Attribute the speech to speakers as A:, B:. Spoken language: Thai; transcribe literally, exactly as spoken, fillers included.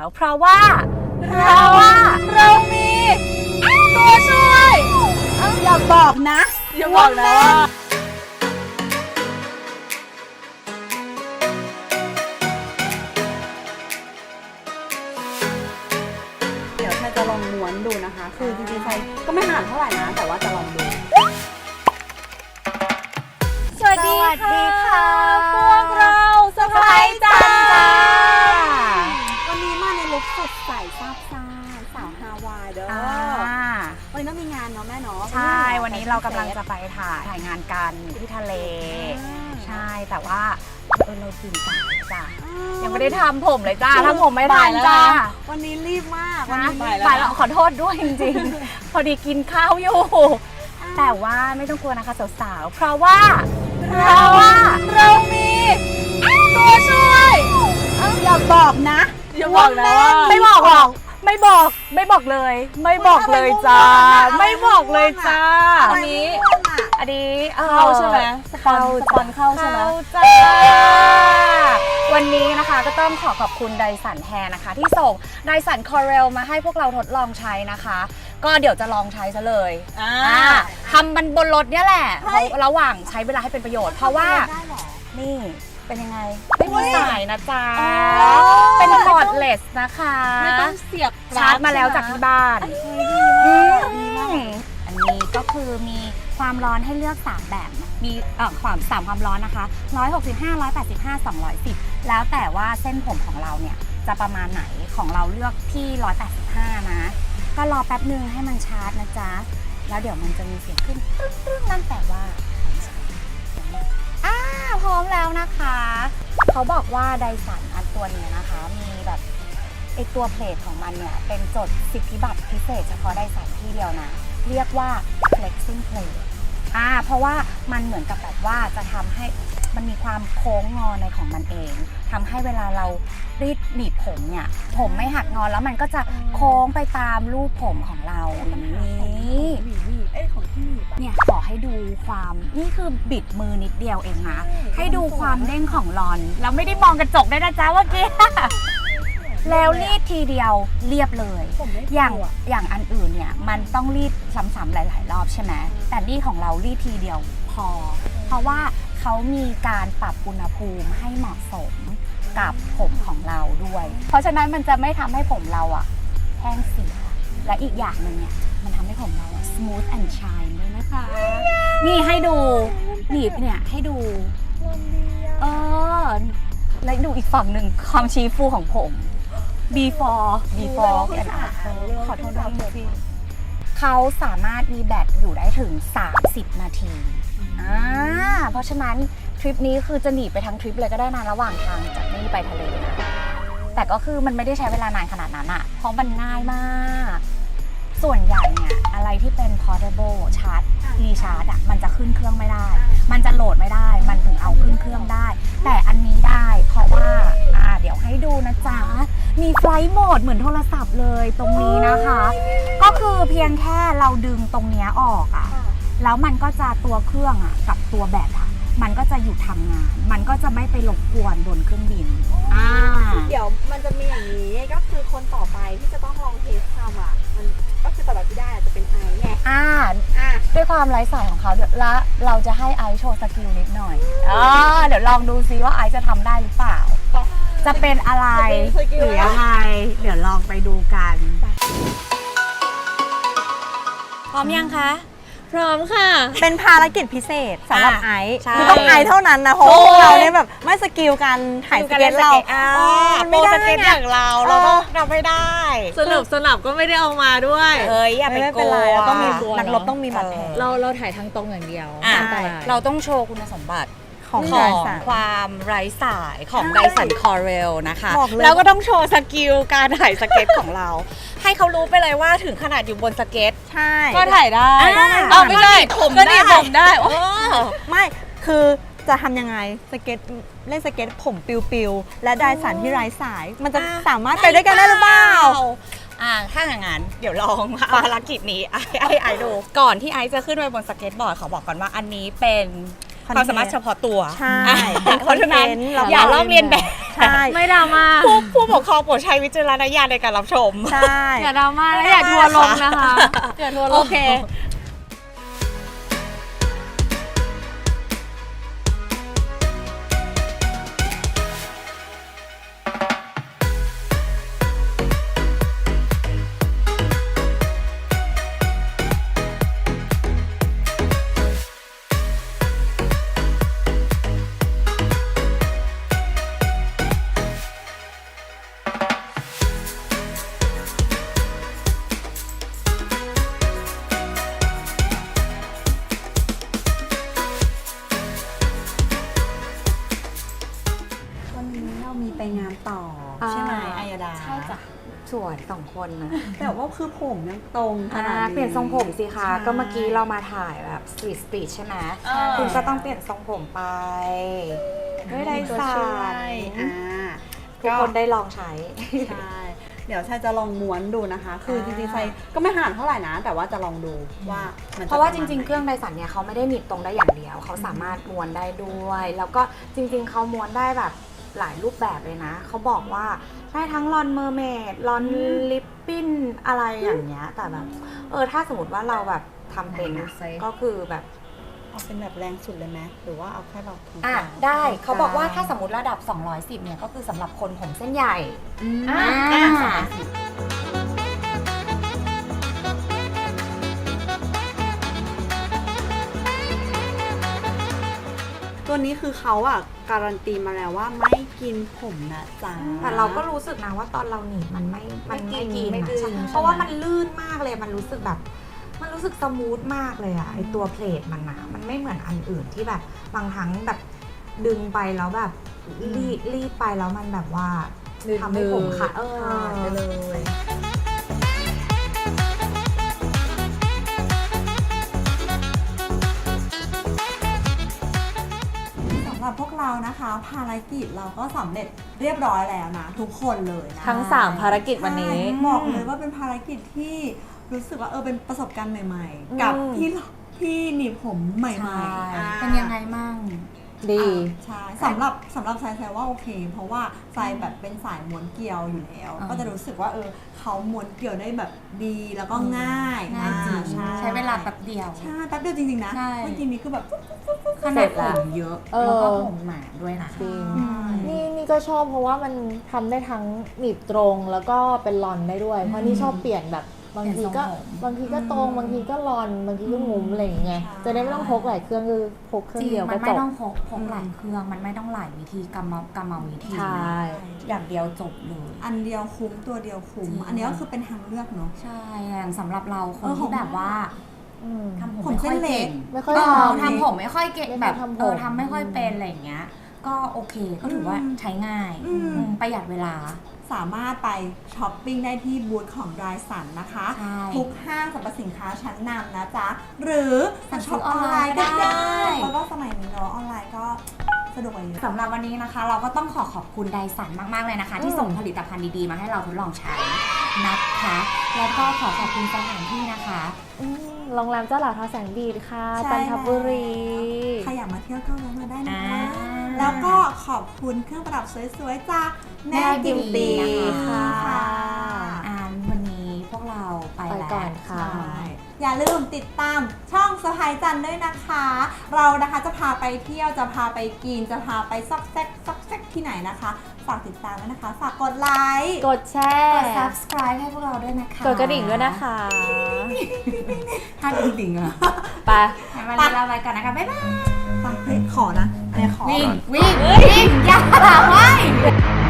A: เพราะว่าเพราะว่าเรามีตัวช่วยอย่าบอกนะ
B: อย่าบอกนะว่า
A: เดี๋ยวฉันจะลองม้วนดูนะคะคือจริงๆใช้ก็ไม่นานเท่าไหร่นะแต่ว่าจะลองดูสวัสดีค่ะพวกเราสไปซ์จันจ้าวันนี้มาในลุคสดใสซาบซ่าสาวฮาวายเด้อวันนี้ต้องมีงานเนาะแม่เนาะใช่วันนี้เรากำลังจะไปถ่ายถ่ายงานกันที่ทะเลใช่แต่ว่าเออเราตื่นสายจ้ะยังไม่ได้ทำผมเลยจ้าทำผมไม่ทันจ้าวันนี้รีบมากวันนี้บ่ายแล้วขอโทษด้วยจริงๆพอดีกินข้าวอยู่แต่ว่าไม่ต้องกลัวนะคะสาวๆเพราะว่าเพราะว่าเรามีตัวช่วยอย่าบอกนะ
B: อย่าบอกนะว่า
A: ไม่บอกหรอกไม่บอกไม่บอกเลยไม่บอกเลยจ้าไม่บอกเลยจ้าอันนี้อันนี้
B: เข้าใช่ไหม
A: เข้า
B: สปอนเข้าใช่ไหม
A: จ้าวันนี้นะคะก็ต้องขอขอบคุณไดสันแฮร์นะคะที่ส่งไดสันคอเรลมาให้พวกเราทดลองใช้นะคะก็เดี๋ยวจะลองใช้ซะเลยทำมันบนรถเนี่ยแหละระหว่างใช้เวลาให้เป็นประโยชน์เพราะว่านี่เป็นยังไงไม่มีสายนะจ๊ะเป็นคอร์ดเลสนะคะ
B: ไม่ต้องเสียบ
A: ชาร์จมาแล้วจากที่บ้านอันนี้ก็คือมีความร้อนให้เลือกสามแบบมีเอ่อความสามความร้อนนะคะหนึ่งร้อยหกสิบห้า หนึ่งร้อยแปดสิบห้า สองร้อยสิบแล้วแต่ว่าเส้นผมของเราเนี่ยจะประมาณไหนของเราเลือกที่หนึ่งร้อยแปดสิบห้านะก็รอแป๊บนึงให้มันชาร์จนะจ๊ะแล้วเดี๋ยวมันจะมีเสียงขึ้นตึ้งตึ้งนั่นแต่ว่าอ้าพร้อมแล้วนะคะเขาบอกว่าไดสันอันตัวนี้นะคะมีแบบไอตัวเพลทของมันเนี่ยเป็นจดสิทธิบัตรพิเศษเฉพาะไดสันที่เดียวนะเรียกว่า flexing plate อ่าเพราะว่ามันเหมือนกับแบบว่าจะทำให้มันมีความโค้งงอในของมันเองทำให้เวลาเรารีดหนีบผมเนี่ยผมไม่หักงอแล้วมันก็จะโค้งไปตามรูปผมของเราอย่างนี้
B: เอ้ยของที่
A: เนี่ยขอให้ดูความนี่คือบิดมือนิดเดียวเองนะให้ดูความเด้งของลอนแล้วไม่ได้มองกระจกได้นะจ๊ะเมื่อกี้แล้วรีดทีเดียวเรียบเลยอย่างอย่างอันอื่นเนี่ยมันต้องรีดซ้ำๆหลายๆรอบใช่ไหมแต่นี่ของเรารีดทีเดียวพอเพราะว่าเขามีการปรับอุณหภูมิให้เหมาะสมกับผมของเราด้วยเพราะฉะนั้นมันจะไม่ทำให้ผมเราอะแห้งเสียและอีกอย่างหนึ่งเนี่ยมันทำให้ผมเราอะ smooth and shine ด้วยนะคะนี่ให้ดูหนีบเนี่ยให้ดูเออแล้วดูอีกฝั่งหนึ่งความชี้ฟูของผม before before กันอ่ะขอโทษด้วยพี่เขาสามารถมีแบตอยู่ได้ถึงสามสิบนาทีอ่าเพราะฉะนั้นทริปนี้คือจะหนีไปทั้งทริปเลยก็ได้นะระหว่างทางจากนี่ไปทะเลนะแต่ก็คือมันไม่ได้ใช้เวลานานขนาดนั้นอะเพราะมันง่ายมากส่วนใหญ่เนี่ยอะไรที่เป็น portable ชาร์จรีชาร์จอะมันจะขึ้นเครื่องไม่ได้มันจะโหลดไม่ได้มันถึงเอาขึ้นเครื่องได้แต่อันนี้ได้เพราะว่าอ่าเดี๋ยวให้ดูนะจ๊ะมีไฟล์โหมดเหมือนโทรศัพท์เลยตรงนี้นะคะก็คือเพียงแค่เราดึงตรงนี้ออกอะแล้วมันก็จะตัวเครื่องอะกับตัวแบตอะมันก็จะหยุดทำงานมันก็จะไม่ไปรบกวนบนเครื่องบินอ่า
B: เดี๋ยวมันจะมีอย่างนี้ก็คือคนต่อไปที่จะต้องลองเทสทำอ่ะมันก็คือต่อแบบที่ได้จะเป็นไอไง
A: อ่าอ่าด้วยความไร้สายของเขาและเราจะให้ไอโชว์สกิลนิดหน่อยอ่าเดี๋ยวลองดูซิว่าไอจะทำได้หรือเปล่าจะเป็นอะไรหรือยังไงเดี๋ยวลองไปดูกันพร้อมยังคะ
B: พร้อมค่ะ
C: เป็นภารกิจพิเศษสำหรับไอซ์คือต้องไอซ์เท่านั้นนะเพราะพวกเราเนี่ยแบบไม่สกิลการถ่ายสเก็ตเรา
A: ไม่ได้สเก็ตอย่างเราเราต้องทำไม่ได้
B: สนุกสนับก็ไม่ได้เอามาด้วย
A: เอ้ยอย่าไปกลัว
C: เราต้องมีนักรบต้องมีบาดแผล
B: เราเราถ่ายทางตรงอย่างเดียว
A: เราต้องโชว์คุณสมบัติ
C: ของ
A: ความไร้สายของไดสันคอเรลนะคะแล้วก็ต้องโชว์สกิลการถ่ายสเก็ตของเราให้เขารู้ไปเลยว่าถึงขนาดอยู่บนสเก็ต
C: ใช่
A: ก็ถ่ายได้
B: เอาไม่ได้ผมก็ดีผมได้
C: ไม่คือจะทำยังไงสเก็ตเล่นสเก็ตผมปิวๆและไดสันที่ไร้สายมันจะสามารถไปด้วยกันได้หรือเปล่า
A: อ่าถ้าอย่างนั้นเดี๋ยวลองภารกิจนี้ไอ้ไอ้ไอดูก่อนที่ไอจะขึ้นไปบนสเก็ตบอร์ดขอบอกก่อนว่าอันนี้เป็นความสามารถเฉพาะตัว
C: ใช่
A: เพราะฉะนั้นอย่าลอกเลียนแบบ
C: ใช่
A: ไม่ดราม่า
C: ผู้ผู้ปกครองโปรดใช้วิจารณญาณในการรับชมใช่
A: อย่าดราม่าและอย่าทัวร์ลงนะคะอย่าทัวร์ลง
C: โอเค วันนี้เรามีไปงานต่อใช่ไหมอายดา
A: ใช่จ้ะสวยสองคนนะ
C: แต่ว่าคือผมยังตรงขนาดนี้
A: เปลี่ยนทรงผมสิคะ
C: ใช่
A: ก็เมื่อกี้เรามาถ่ายแบบสตรีทสตรีทใช่ไหม
C: เออ
A: คุณก็ต้องเปลี่ยนทรงผมไปด้วยได
C: ตัว
A: สั
C: ช่วย
A: น
C: อ่า
A: ทุกคนได้ลองใช้
C: ใช่ เดี๋ยวชายจะลองม้วนดูนะคะ คือจ
A: อ่า
C: ริงๆชายก็ไม่ถนัดเท่าไหร่นะ แต่ว่าจะลองดูว่ามันจ
A: เพราะว่าจ
C: ปมณ
A: ริง ๆ
C: ไหน
A: เครื่องไดสันเนี่ยเขาไม่ได้หนีบตรงได้อย่างเดียว เขาสามารถม้วนได้ด้วย แล้วก็จริง ๆเขาม้วนได้แบบหลายรูปแบบเลยนะ เขาบอกว่าได้ทั้งลอนเมอร์เมดลอนลิปปิ้นอะไรอย่างเงี้ย แต่แบบเออถ้าสมมติว่าเราแบบทำเป็นอะก็คือแบบ
C: เอาเป็นแบบแรงสุดเลยไหมหรือว่าเอาแค่แบบตรงก
A: อ่ะ
C: ลาง
A: ได้เขาบอกว่าถ้าสมมติระดับ สองร้อยสิบ เนี่ยก็คือสำหรับคนผมเส้นใหญ่
C: อืม
A: อ่า
C: อ่ะสองร้อยสิบตัวนี้คือเขาอ่ะการันตีมาแล้วว่าไม่กินผมนะจ๊ะ
A: แต่เราก็รู้สึกนะว่าตอนเราหนีบมันไม่ มันไม่กิน
C: ไม่
A: อะ
C: ดึง
A: ใช่
C: ใช่ไหม
A: เพราะว่ามันลื่นมากเลย มันรู้สึกแบบ มันรู้สึกสมูทมากเลยอะไอตัวเพลทมันอะมันไม่เหมือนอันอื่นที่แบบบางครั้งแบบดึงไปแล้วแบบรีดรีดไปแล้วมันแบบว่าทำให้ผมขาดเออ
C: ขาดไปเลย สำหรับพวกเรานะคะภารกิจเราก็สำเร็จเรียบร้อยแล้วนะ ทุกคนเลยนะ
D: ทั้งสามภารกิจวันนี้
C: ใช่บอกเลยว่าเป็นภารกิจที่รู้สึกว่าเออเป็นประสบการณ์ใหม่ ๆ กับที่ที่หนีบผมใหม่
A: ใช่
C: ๆอ่า
A: เป็นยังไงมั่ง
D: ดี
C: ใช่สำหรับสำหรับทรายแซวว่าโอเค เพราะว่าทรายแบบเป็นสายม้วนเกลียวอยู่แล้ว
A: อ่า
C: ก็จะรู้สึกว่าเออเขาม้วนเกลียวได้แบบดีแล้วก็ง่าย
A: ง่ายจริง
C: อ่
A: ใช้เวลาแป๊บเดียว
C: ใช่แป๊บเดียวจริงๆนะ
A: ใช่
C: เมื่อกี้นี้คือแบบปุ๊บปุ๊บปุ๊บปุ๊บ
A: ขนาดผมเยอะ
D: เออ
A: แล้วก็ผมหนาด้วยนะ
D: จริง
A: อืม
D: นี่นี่ก็ชอบเพราะว่ามันทำได้ทั้งหนีบตรงแล้วก็เป็นลอนได้ด้วย เพราะนี่ชอบเปลี่ยนแบบบางทีก็
A: เปลี่ยนทรงผม
D: บางทีก็ตรงบางทีก็ลอนบางทีก็งุ้มอะไรอย่างเงี้ยจะได้ไม่ต้องพกหลายเครื่องคือพกเครื่
A: จ
D: อง
A: ริง
D: เดียว
A: มั
D: ก็
A: น
D: จ
A: ไม่
D: บ
A: ต้องพกพกหลายเครื่อง มันไม่ต้องหลายวิธีกรรมกรรมวิธี
D: ใช่
A: อย่างเดียวจบเลย
C: อันเดียวคุ้มตัวเดียวคุ้ม
A: จริง
C: อันนี้ก็คือเป็นทางเลือกเนาะ
A: ใช่อย่างสำหรับเราคน
C: เออ
A: ที่แบบว่า
D: อืม
A: ทำผม
C: ผม
A: ไม่ค่อย
C: เส้นเล็
A: เก่
C: ก
A: ง
D: ไม่ค่อย
A: เออ
D: ทำ
A: ทำผมไม่ค่อยเก่ง
D: ไม่ค่อย
A: แบบ
D: ทำผม
A: เออทำไม่ค่อยเป็นอะไรอย่างเงี้ย ก็โอเคก็ถือว่า
C: อืม
A: ใช้ง่าย
C: อืม
A: อืมประหยัดเวลา
C: สามารถไปช้อปปิ้งได้ที่บูธของรายสันนะคะ
A: ใช่
C: ทุกห้างสรรพสินค้าชั้นนำนะจ๊ะ หรือ
A: สั่งซื้
C: ช็อ
A: อ
C: ปออนไลน์ก็
A: ออนไลน์ก็ได้
C: ได้เพราะว่าสมัยนี้เนาะออนไลน์ก็สะดวกกว่าเยอะ
A: สำหรับวันนี้นะคะ เราก็ต้องขอขอบคุณไดสันมาก ๆ เลยนะคะ ที่ส่งผลิตภัณฑ์ดี ๆ มาให้เราทดลองใช้นะคะ แล้วก็ขอขอบคุณสถานที่นะคะ
D: อืมโรงแรมเจ้าหลาทาแสงดีดค่ะ
C: ใช่
D: จันทบุรี
C: ใครอยากมาเที่ยวก็แวะมาได้นะคะ
A: อ่า
C: แล้วก็ขอบคุณเครื่องประดับสวยๆจากแม่
A: แม่
C: บิวตี้
A: Beauty
C: ค่ะ
D: ค่ะ
A: อ่านวันนี้พวกเราไป
D: ไป
A: แล้ว
D: ก่อนค่ะ
C: ใช่อย่าลืมติดตามช่องสะพายจันด้วยนะคะ เรานะคะจะพาไปเที่ยวจะพาไปกินจะพาไปซอกแซกซอกแซกที่ไหนนะคะ ฝากติดตามด้วยนะคะ ฝากกดไลค์
D: กดแช
A: ก
D: ร์
A: ด subscribe ให้พวกเราด้วยนะคะ
D: กดกระดิ่งด้วยนะคะ
A: ถ้ากระดิ่งอะ
D: ไป
A: งั้นวันนี้เราไปก่อนนะคะ บ๊ายบาย
C: ไปเฮ้ยขอนะอันนี้ขอ
A: วิ่ง
C: ก่อน
A: วิ่ง วิ่ง อย่าไว้